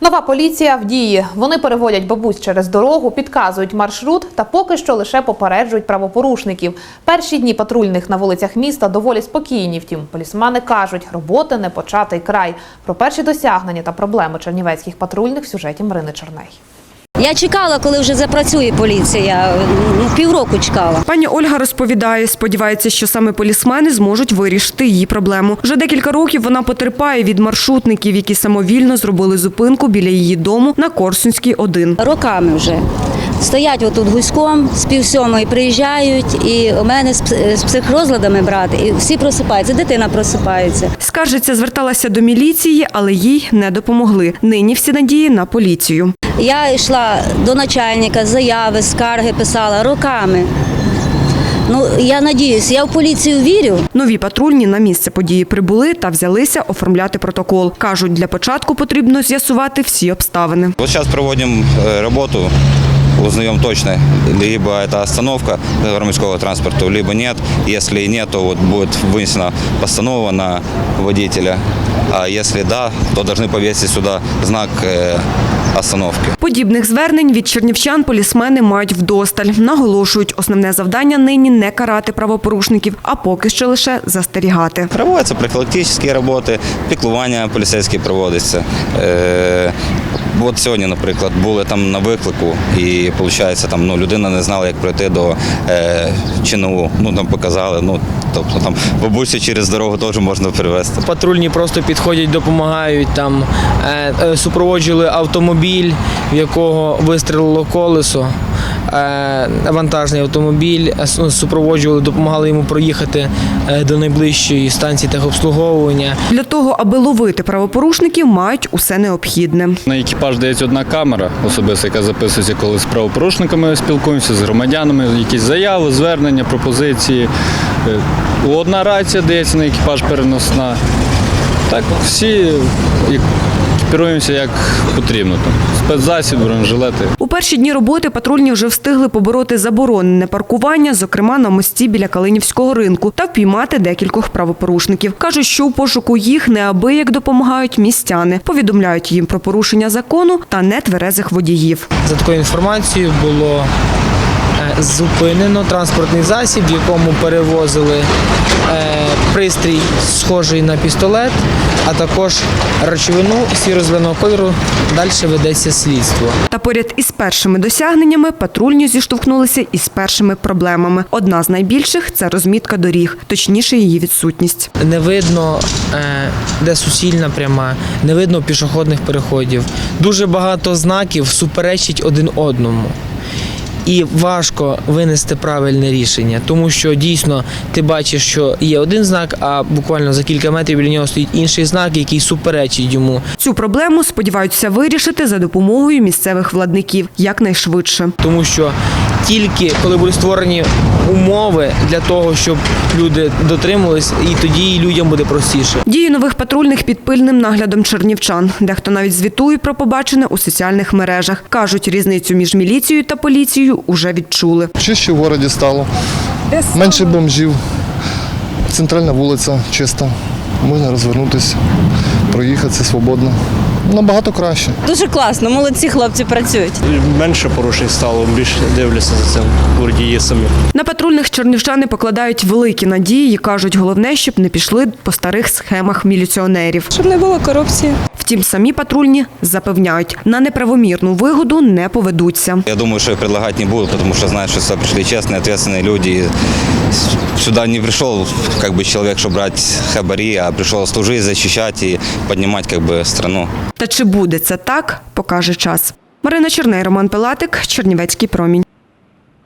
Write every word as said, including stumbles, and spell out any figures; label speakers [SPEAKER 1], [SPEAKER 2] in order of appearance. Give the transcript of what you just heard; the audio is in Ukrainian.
[SPEAKER 1] Нова поліція в дії. Вони переводять бабусь через дорогу, підказують маршрут та поки що лише попереджують правопорушників. Перші дні патрульних на вулицях міста доволі спокійні. Втім, полісмени кажуть, роботи не початий край. Про перші досягнення та проблеми чернівецьких патрульних в сюжеті Марини Чорней.
[SPEAKER 2] Я чекала, коли вже запрацює поліція. Півроку чекала.
[SPEAKER 3] Пані Ольга розповідає, сподівається, що саме полісмени зможуть вирішити її проблему. Вже декілька років вона потерпає від маршрутників, які самовільно зробили зупинку біля її дому на Корсунській, один.
[SPEAKER 2] Роками вже. Стоять отут гуськом, з півсьомої приїжджають, і у мене з психрозладами брати, і всі просипаються, дитина просипається.
[SPEAKER 3] Скаржиться, зверталася до міліції, але їй не допомогли. Нині всі надії на поліцію.
[SPEAKER 2] Я йшла до начальника, заяви, скарги писала роками. Ну, я надіюсь, я в поліцію вірю.
[SPEAKER 3] Нові патрульні на місце події прибули та взялися оформляти протокол. Кажуть, для початку потрібно з'ясувати всі обставини.
[SPEAKER 4] Вот сейчас проводим работу, узнаем точно, либо это остановка громадского транспорта, либо нет. Если нет, то вот будет вынесена постанова на водителя. А если да, то должны повесить сюда знак остановки.
[SPEAKER 3] Подібних звернень від чернівчан полісмени мають вдосталь. Наголошують, основне завдання нині не карати правопорушників, а поки що лише застерігати.
[SPEAKER 4] Проводяться профілактичні роботи, піклування поліцейські проводяться. Е, от сьогодні, наприклад, були там на виклику і, виходить, там, ну, людина не знала, як пройти до е, ЧНУ. Ну, там показали, ну, тобто там бабусю через дорогу теж можна перевезти.
[SPEAKER 5] Патрульні просто підходять, допомагають, там, е, е, супроводжували автомобіль, в якого вистрілило колесо, е, вантажний автомобіль, супроводжували, допомагали йому проїхати е, до найближчої станції техобслуговування.
[SPEAKER 3] Для того, аби ловити правопорушників, мають усе необхідне.
[SPEAKER 6] На екіпаж дається одна камера особиста, яка записується, коли з правопорушниками спілкуємося, з громадянами, якісь заяви, звернення, пропозиції. Одна рація дається на екіпаж переносна. Так, всі екіпіруємося як потрібно. Спецзасіб, бронежилети.
[SPEAKER 3] У перші дні роботи патрульні вже встигли побороти заборонене паркування, зокрема на мості біля Калинівського ринку, та впіймати декількох правопорушників. Кажуть, що у пошуку їх неабияк допомагають містяни. Повідомляють їм про порушення закону та нетверезих водіїв.
[SPEAKER 5] За такою інформацією було зупинено транспортний засіб, в якому перевозили пристрій, схожий на пістолет, а також речовину сіро-зеленого кольору. Далі ведеться слідство.
[SPEAKER 3] Та поряд із першими досягненнями патрульні зіштовхнулися із першими проблемами. Одна з найбільших – це розмітка доріг, точніше її відсутність.
[SPEAKER 5] Не видно, де суцільна пряма, не видно пішохідних переходів. Дуже багато знаків суперечать один одному. І важко винести правильне рішення, тому що дійсно ти бачиш, що є один знак, а буквально за кілька метрів біля нього стоїть інший знак, який суперечить йому.
[SPEAKER 3] Цю проблему сподіваються вирішити за допомогою місцевих владників якнайшвидше.
[SPEAKER 5] Тому що тільки коли будуть створені умови для того, щоб люди дотримувались, і тоді людям буде простіше.
[SPEAKER 3] Дії нових патрульних під пильним наглядом чернівчан. Дехто навіть звітує про побачене у соціальних мережах. Кажуть, різницю між міліцією та поліцією уже відчули.
[SPEAKER 7] Чище в місті стало, менше бомжів, центральна вулиця чиста, можна розвернутися, проїхатися свободно. Набагато краще.
[SPEAKER 8] Дуже класно, молодці хлопці працюють.
[SPEAKER 9] Менше порушень стало, більше дивляться за цим водії самі.
[SPEAKER 3] На патрульних чернівчани покладають великі надії і кажуть, головне, щоб не пішли по старих схемах міліціонерів.
[SPEAKER 8] Щоб не було корупції.
[SPEAKER 3] Втім, самі патрульні запевняють, на неправомірну вигоду не поведуться.
[SPEAKER 4] Я думаю, что и предлагать не будут, потому что знают, что сюда пришли честные, ответственные люди. И сюда не пришел как бы человек, чтобы брать хабари, а пришел служить, защищать и поднимать как бы страну.
[SPEAKER 3] Та чи буде це так, покаже час. Марина Чорней, Роман Пилатик, Чернівецький промінь.